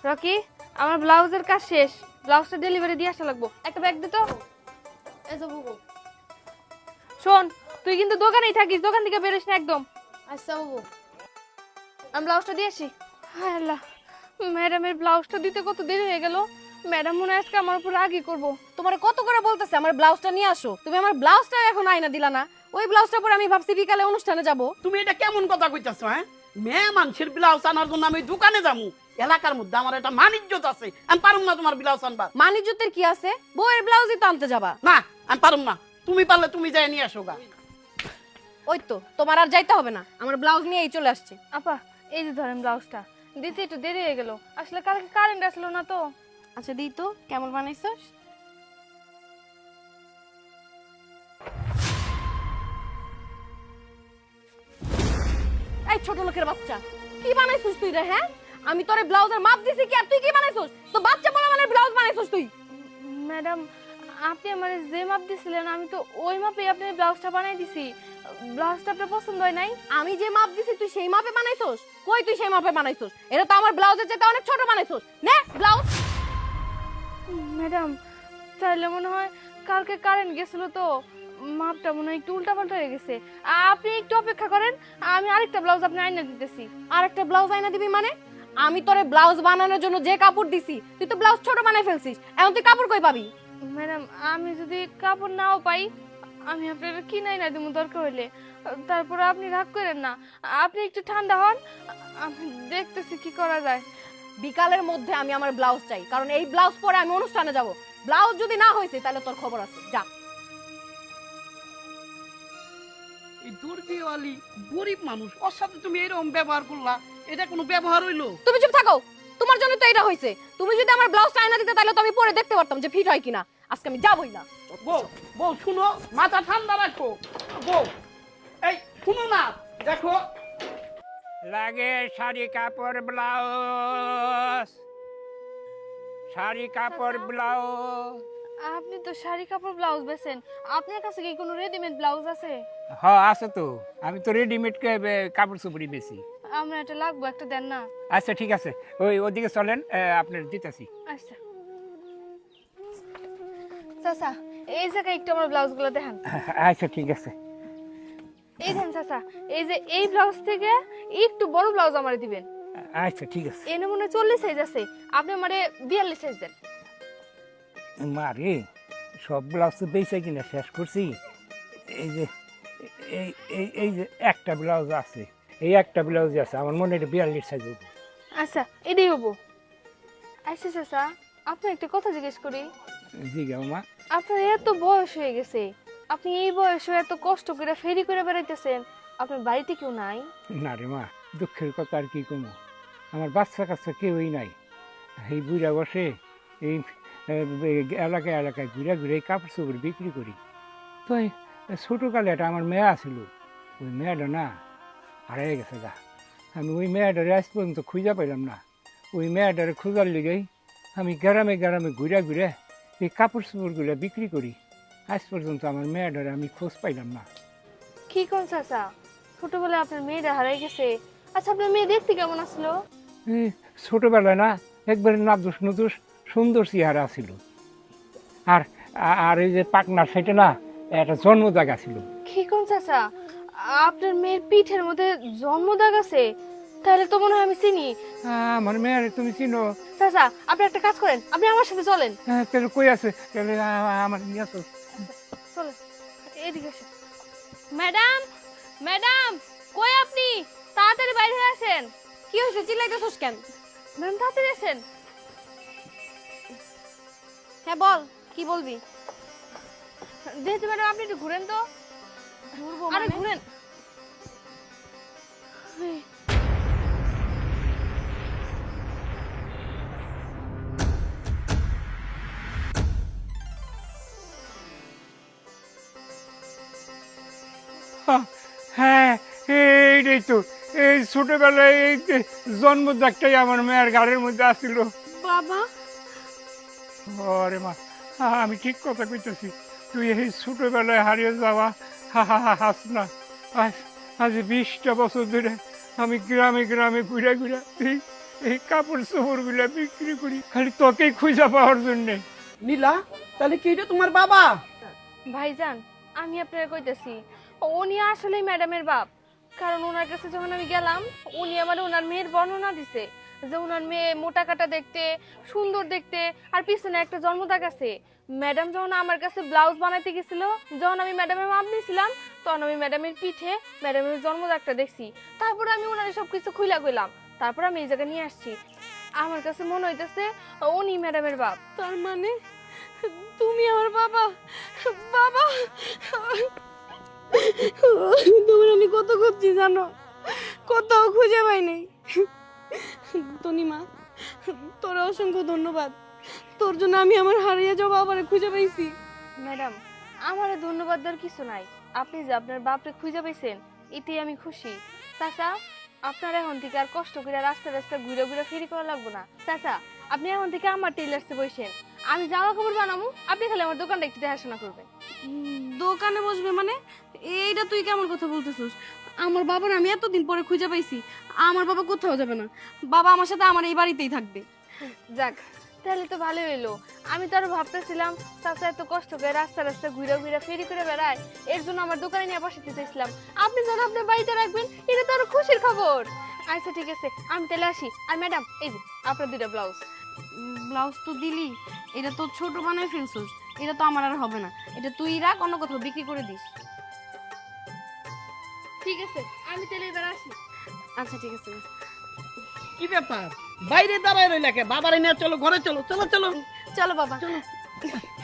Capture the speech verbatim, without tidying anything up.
Rocky, আমার ব্লাউজের কাজ শেষ, ব্লাউজটা ডেলিভারি দিয়ে আসা লাগবো। একটা ব্যাগ দে তো। এই যে বুবু। শোন, তুই কিন্তু দোকানেই থাকিস, দোকান থেকে বেরোস না একদম। আচ্ছা বুবু। আমি ব্লাউজটা দিয়ে আসি। হায় আল্লাহ, ম্যাডামের ব্লাউজটা দিতে কত দেরি হয়ে গেল। ম্যাডাম মনে হয় আজকে আমার উপর রাগই করবো। তোমারে কত করে বলতেছে আমার ব্লাউজটা নিয়ে আসো, তুমি আমার ব্লাউজটা এখন আইনা দিলা না। ওই ব্লাউজটা পরে আমি ভাবছি বিকালে অনুষ্ঠানে যাব। তুমি এটা কেমন কথা কইতাছো? হ্যাঁ, মেয়ে মানুষের ব্লাউজ আনার জন্য আমি দোকানে যাবো? এলাকার মধ্যে আমার একটা মান ইজ্জত আছে, আমি পারুম না তোমার ব্লাউজ আনবা। মান ইজ্জতের কি আছে? বউয়ের ব্লাউজই তো আনতে যাবা। না, আমি পারুম না, তুমি পারলে তুমি যাই নিয়ে আসো গা। ওই তো, তোমার আর যাইতে হবে না, আমার ব্লাউজ নিয়েই চলে আসছি। আপা, এই যে ধরেন ব্লাউজটা, দিতে একটু দেরি হয়ে গেল, আসলে কালকে কারেন্ট আসলো না তো। আচ্ছা দিই তো, কেমন বানাইছস? এই ছোট লোকের বাচ্চা, কি বানাইছস তুই রে? হ্যাঁ, আমি তোরে ব্লাউজের মাপ দিছি কি আর তুই কি বানাইছস? তো বাচ্চা বলা মানে ব্লাউজ বানাইছস তুই? ম্যাডাম, আপনি আমার যে মাপ দিছিলেন আমি তো ওই মাপে আপনার ব্লাউজটা বানাই দিছি। ব্লাউজটা আপনার পছন্দ হয় নাই? আমি যে মাপ দিছি তুই সেই মাপে বানাইছস? কই তুই সেই মাপে বানাইছস? এটা তো আমার ব্লাউজের চেয়ে অনেক ছোট বানাইছস। নে ব্লাউজ। ম্যাডাম, তাহলে মনে হয় কালকে কারেন্ট গেছিল তো মাপটা মনে হয় একটু উল্টাপাল্টা হয়ে গেছে। আপনি একটু অপেক্ষা করেন, আমি আরেকটা ব্লাউজ আপনি আইনা দিতেছি। আর একটা ব্লাউজ আইনা দিবি মানে? আমি তোরে ব্লাউজ বানানোর জন্য যে কাপড় দিছি তুই তো ব্লাউজ ছোট বানাই ফেলছিস, এখন তুই কাপড় কই পাবি? ম্যাডাম, আমি যদি কাপড় নাও পাই আমি আপনার কিনাই না দিব দরকার হইলে। তারপর আপনি রাগ করেন না, আপনি একটু ঠান্ডা হন, আমি দেখতেছি কি করা যায়। বিকালের মধ্যে আমি আমার ব্লাউজ চাই, কারণ এই ব্লাউজ পরে আমি অনুষ্ঠানে যাব। ব্লাউজ যদি না হয়েছে তাহলে তোর খবর আছে, যা। এই দুর্দিওয়ালি গরিব মানুষ, ওর সাথে তুমি এরকম ব্যবহার করলা, এটা কোনো ব্যবহার হইলো? তুমি চুপ থাকো, তোমার জন্য তো এটা হয়েছে। তুমি যদি আমার ব্লাউজটা আয়না দিতে তাহলে তো আমি পরে দেখতে পারতাম যে ফিট হয় কিনা। আজকে আমি যাবই না। বউ, বউ শুনো, মাথা ঠান্ডা রাখো। বউ, এই শুনো না, দেখো লাগে শাড়ি কাপড় ব্লাউজ, শাড়ি কাপড় ব্লাউজ। আপনি তো শাড়ি কাপড় ব্লাউজ বেছেন, আপনার কাছে কি কোনো রেডিমেড ব্লাউজ আছে? হ আছে তো, আমি তো রেডিমেড কাপড় চোপড়ি বেশি। আমরা এটা লাগবো, একটা দেন না? আচ্ছা ঠিক আছে, ওই ওদিকে চলেন, আপনার দিতেছি। আচ্ছা চাচা, এই জায়গায় একটু আমার ব্লাউজগুলো দেখান। আচ্ছা ঠিক আছে। এই দেন চাচা, এই যে এই ব্লাউজ থেকে একটু বড় ব্লাউজ আমারে দিবেন। আচ্ছা ঠিক আছে। এনে মনে হয় চল্লিশ সাইজ আছে, আপনি আমারে বিয়াল্লিশ সাইজ দেন। মারে, সব ব্লাউজ তো বেঁচে কিনা শেষ করছি। এই যে এই এই এই যে একটা ব্লাউজ আছে, এই একটা ব্লাউজ আছে, আমার মনে হয় বিয়াল্লিশ সাইজ হবে। আচ্ছা এটাই হবো। আচ্ছা চাচা, আপনার একটা কথা জিজ্ঞেস করি। জি গা মা। আপনার এত বয়স হয়ে গেছে, আপনি এই বয়সে এত কষ্ট করে ফেরি করে বেড়াইতেছেন, আপনার বাড়িতে কেউ নাই? না রে মা, দুঃখের কথা আর কি কমো, আমার বাচ্চা কাচ্চা কেউই নাই। এই বুড়া বসে এই এলাকায় এলাকায় ঘুরে ঘুরে কাপড় চোপড় বিক্রি করি। তো এই ছোটোকালে একটা আমার মেয়ে আছিল, ওই মেয়েটা না হারিয়ে গেছে গা। আমি ওই মেয়েটারে আজ পর্যন্ত খুঁজে পাইলাম না। ওই মেয়েটারে খোঁজার লিগেই আমি গ্রামে গ্রামে ঘুরে ঘুরে এই কাপড় চোপড়গুলো বিক্রি করি। আজ পর্যন্ত আমার মেয়েটারে আমি খোঁজ পাইলাম না। কি কোন চাচা, ছোটবেলায় আপনার মেয়েটা হারাই গেছে? আচ্ছা আপনার মেয়ে দেখতে কেমন আসলো? এই ছোটোবেলায় না একবারে নাদুস নুদুস সুন্দর চেহারা ছিল। আর আর এই যে পাকনার সাইডে না একটা জন্মদাগ ছিল। কি কোন চাচা, আপনার মেয়ের পিঠের মধ্যে জন্মদাগ আছে? তাহলে তো মনে হয় আমি চিনি। আমার মেয়ের তুমি চিনো? চাচা আপনি একটা কাজ করেন, আপনি আমার সাথে চলেন। হ্যাঁ, তাহলে কই আছে? তাহলে আমার নিয়ে আসো। চলেন এদিকে আসেন। ম্যাডাম, ম্যাডাম কই আপনি? তাড়াতাড়ি বাইরে হয়ে আসেন। কি হয়েছে, চিল্লাইতেছস কেন? ম্যাডাম তাড়াতাড়ি আসেন। হ্যাঁ বল, কি বলবি? দেখতে ম্যাডাম, আপনি একটু ঘুরেন তো। ঘুরবো আরে মানে? ঘুরেন। হ্যাঁ এইটাই তো, এই ছোটবেলায় এই জন্মদাগটাই আমার মেয়ের গাড়ির মধ্যে আসছিল। বাবা, আরে মা, আমি ঠিক কথা কইতেছি। তুই এই ছোটবেলায় হারিয়ে যাওয়া হা হা হা হাস না। আজ আজ বিশটা বছর ধরে আমি গ্রামে গ্রামে ঘুরে ঘুরে এই এই কাপড় চোপড়গুলা বিক্রি করি খালি তোকেই খুঁজা পাওয়ার জন্যে। নীলা, তাহলে কি এটা তোমার বাবা? ভাইজান, আমি আপনার কইতেছি উনি আসলে ম্যাডামের বাপ। কারণ ওনার কাছে যখন আমি গেলাম, উনি আমার ওনার মেয়ের বর্ণনা দিছে যে ওনার মেয়ে মোটা কাটা দেখতে, সুন্দর দেখতে, আর পিছনে একটা জন্মদাগ আছে। ম্যাডাম যখন আমার কাছে ব্লাউজ বানাইতে গেছিল, যখন আমি ম্যাডামের মাপ নিয়েছিলাম, তখন আমি ম্যাডামের পিঠে ম্যাডামের জন্মদাগটা দেখছি। তারপরে আমি ওনার সব কিছু খুইলা কইলাম, তারপর আমি এই জায়গায় নিয়ে আসছি। আমার কাছে মনে হইতেছে উনি ম্যাডামের বাপ। তার মানে তুমি আমার বাবা? বাবা, তোমার আমি কত খুঁজছি জানো, কোথাও খুঁজে পাই নাই। তনিমা, তোর অসংখ্য ধন্যবাদ। তোর জন্য আমি আমার হারিয়ে যাওয়া বাবারে খুঁজে পাইছি। ম্যাডাম, আমার ধন্যবাদ দেওয়ার কিছু নাই। আপনি যে আপনার বাপরে খুঁজে পেয়েছেন, এতেই আমি খুশি। চাচা, আপনার এখন থেকে আর কষ্ট করে রাস্তা রাস্তা ঘুরে ঘুরে ফেরি করা লাগবো না। চাচা, আপনি এখন থেকে আমার টেলার্সে বসেন, আমি জামা কাপড় বানাবো, আপনি খালি আমার দোকানটা একটু দেখাশোনা করবেন। উম, দোকানে বসবে মানে? এইটা তুই কেমন কথা বলতেছিস? আমার বাবার আমি এতদিন পরে খুঁজে পাইছি। আমার বাবা কোথাও যাবে না, বাবা আমার সাথে আমার এই বাড়িতেই থাকবে। যাক, তাহলে তো ভালো হইলো। আমি তো আরো ভাবতেছিলাম চাচা এত কষ্ট করে রাস্তা রাস্তা ঘুরে ঘুরে ফেরি করে বেড়ায়, এর জন্য আমার দোকানে নিয়ে বসাতে চাইছিলাম। আপনি যেন আপনার বাড়িতে রাখবেন, এটা তো আরো খুশির খবর। আচ্ছা ঠিক আছে, আমি তাহলে আসি। আর ম্যাডাম, এই যে আপনার দুইটা ব্লাউজ। ব্লাউজ তো দিলি, এটা তো ছোট বানায় ফেলছিস, এটা তো আমার আর হবে না। এটা তুই রাখ, অন্য কোথাও বিক্রি করে দিস। ঠিক আছে, আমি তাহলে এবার আসি। আচ্ছা ঠিক আছে। কি ব্যাপার, বাইরে দাঁড়ায় রইলা কে? বাবারে নিয়ে চলো, ঘরে চলো, চলো চলো চলো বাবা।